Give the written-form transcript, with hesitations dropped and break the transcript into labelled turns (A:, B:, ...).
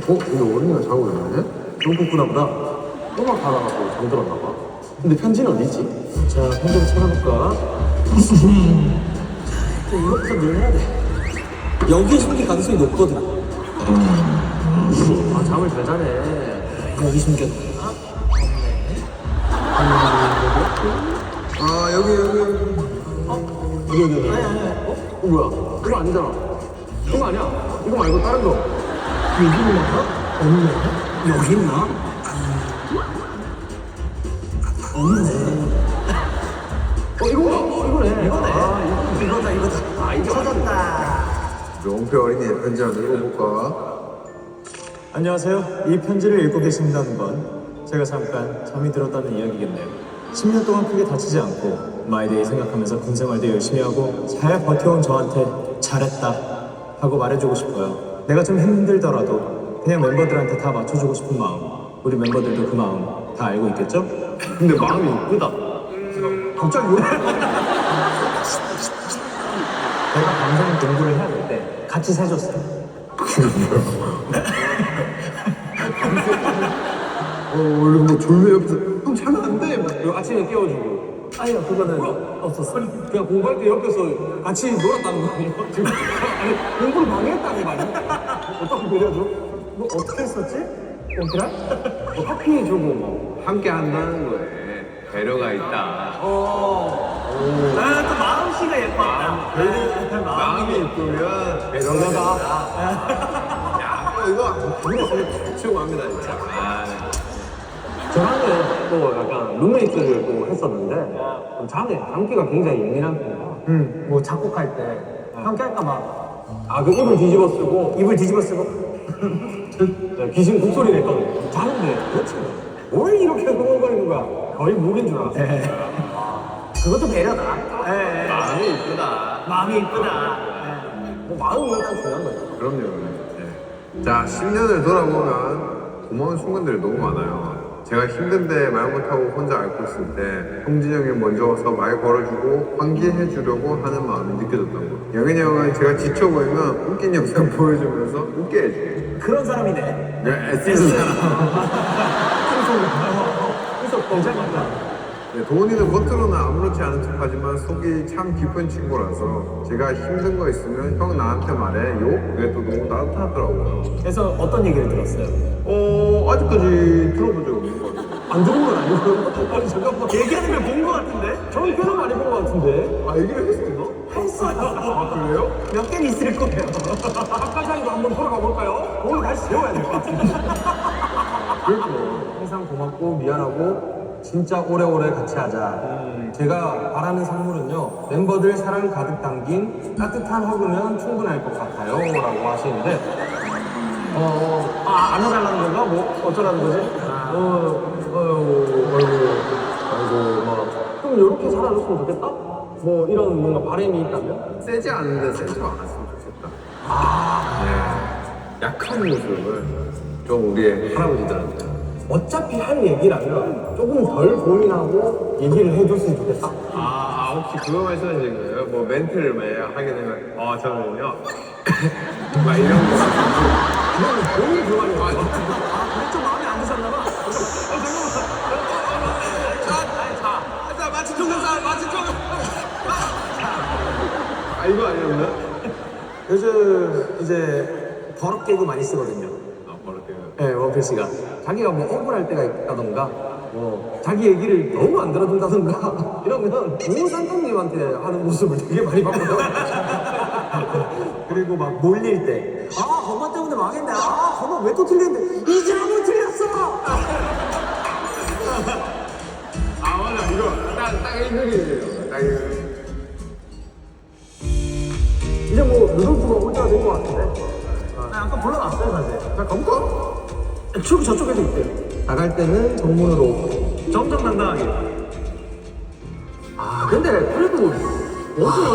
A: 근데 어린이가 자고 있네? 너무 kuskus나 보다. 음악 하다가 또 잠들었나 봐. 근데 편지는 어디 있지? 자, 편지를 찾아볼까? 이것부터 밀어야 돼. 여기에 숨길 가능성이 높거든. 아, 잠을 잘 자네. 여기 숨겼나?
B: 아, 여기.
A: 여기. 뭐야? 이거 아니잖아. 이거 아니야. 이거 말고 다른 거. 여기 있나? 없네. 여기 있나? 없네. 이거네. 이거네. 이거다. 아, 이거 찾았다.
B: 명패 어린이의 편지 한번 읽어볼까?
C: 안녕하세요. 이 편지를 읽고 계신다는 건 제가 잠깐 잠이 들었다는 이야기겠네요. 10년 동안 크게 다치지 않고 마이데이 생각하면서 군 생활도 열심히 하고 잘 버텨온 저한테 잘했다 하고 말해주고 싶어요. 내가 좀 힘들더라도 그냥 멤버들한테 다 맞춰주고 싶은 마음, 우리 멤버들도 그 마음 다 알고 있겠죠?
A: 근데 마음이 이쁘다. 갑자기 왜?
C: 내가 방송 공부를 해야 될 때 같이 세줬어요.
B: 원래 뭐 졸려 옆에서 형 자면 안 돼. 막
A: 그 아침에 깨워주고. 아니요, 그거는 없었어. 그냥 공부할 때 옆에서 같이 놀았다는 거 아니야? 지금 아니, 공부를 방해했다는 거 아니야? 어떻게 그려줘? 뭐 어떻게 했었지? 얘들아? 뭐 커피 주고 뭐.
B: 함께 한다는 거에 배려가 있다.
A: 또 마음씨가 예뻤다.
B: 마음이 이쁘면
A: 배려가.
B: 야, 이거 치우갑니다 진짜.
A: 저랑은 또 약간 룸메이트를 또 했었는데 잠기가 굉장히 예민한 편이야. 뭐 작곡할 때 함께 할까봐 그 입을 뒤집어 쓰고 귀신 곡소리 냈거든. 자는데 그렇지 뭘 이렇게 흥얼거리는 거야. 거의 무기인 줄 알았어. 그것도 배려다.
B: 마음이 이쁘다.
A: 마음이 이쁘다. 뭐 마음이 일단 중요한 거야.
B: 그럼요. 네. 자, 10년을 돌아보면 고마운 순간들이 너무 많아요. 제가 힘든데 말 못하고 혼자 앓고 있을 때 형진이 형이 먼저 와서 말 걸어주고 환기해 주려고 하는 마음이 느껴졌던 거. 영현이 형은 제가 지쳐 보이면 웃긴 영상 보여주면서 웃게 해줘요.
A: 그런 사람이네.
B: 네, 애쓰는 사람.
A: 그래서 괜찮다.
B: 네, 도훈이는 겉으로는 아무렇지 않은 척하지만 속이 참 깊은 친구라서 제가 힘든 거 있으면 형 나한테 말해요. 그게 또 너무 따뜻하더라고요.
A: 그래서 어떤 얘기를 들었어요?
B: 아직까지 들어본 적 없는 것 같아요.
A: 안 들은 건 아니고요. 아니 잠깐만. 얘기하는 걸 본 것 같은데? 저는 꽤나 많이 본 것 같은데.
B: 아, 얘기를 했었나?
A: 했어요.
B: 아, 그래요?
A: 몇 개는 있을 거예요. 아까장도 한번 돌아가 볼까요? 오늘 다시 세워야 될 것 같은데.
B: 그랬구나.
A: 항상 고맙고 미안하고 진짜 오래오래 같이 하자. 제가 바라는 선물은요, 멤버들 사랑 가득 담긴 따뜻한 허그면 충분할 것 같아요 라고 하시는데 안 해달라는 건가? 뭐 어쩌라는 거지? 아이고 그럼 이렇게 살아줬으면 좋겠다? 뭐 이런 뭔가 바람이 있다면?
B: 세지 않은데 세지 않았으면 좋겠다. 네. 약한 모습을 좀 우리의 할아버지들한테.
A: 어차피 할 얘기라면 조금 덜 고민하고 얘기를 해줬으면 좋겠다.
B: 혹시 그거 말씀하시는 거예요? 뭐 멘트를 만약 하게 되면, 저는요. 막 이런 거.
A: 그건 본인 그 말인 거야. 그게 좀 마음에 안 드셨나 봐.
B: 이거 아니었나?
A: 요즘 이제 버럭 개그 많이 쓰거든요.
B: 버릇해요.
A: 네, 원필 씨가. 자기가 뭐 억울할 때가 있다던가, 뭐 자기 얘기를 너무 안 들어준다던가 이러면 우산통님한테 하는 모습을 되게 많이 봤거든. 그리고 막 놀릴 때, 거마 때문에 망했네. 거마 왜 또 틀렸는데? 이제 한번 틀렸어.
B: 맞아. 이거 딱 일그리네요. 딱 이거.
A: 이제 뭐 루돌프가 올 때가 된 것 같은데. 나 아까 불러놨어요 사실.
B: 자, 가볼까?
A: 저쪽에도 있대요. 나갈 때는 정문으로 정정당당하게. 근데 그래도 어제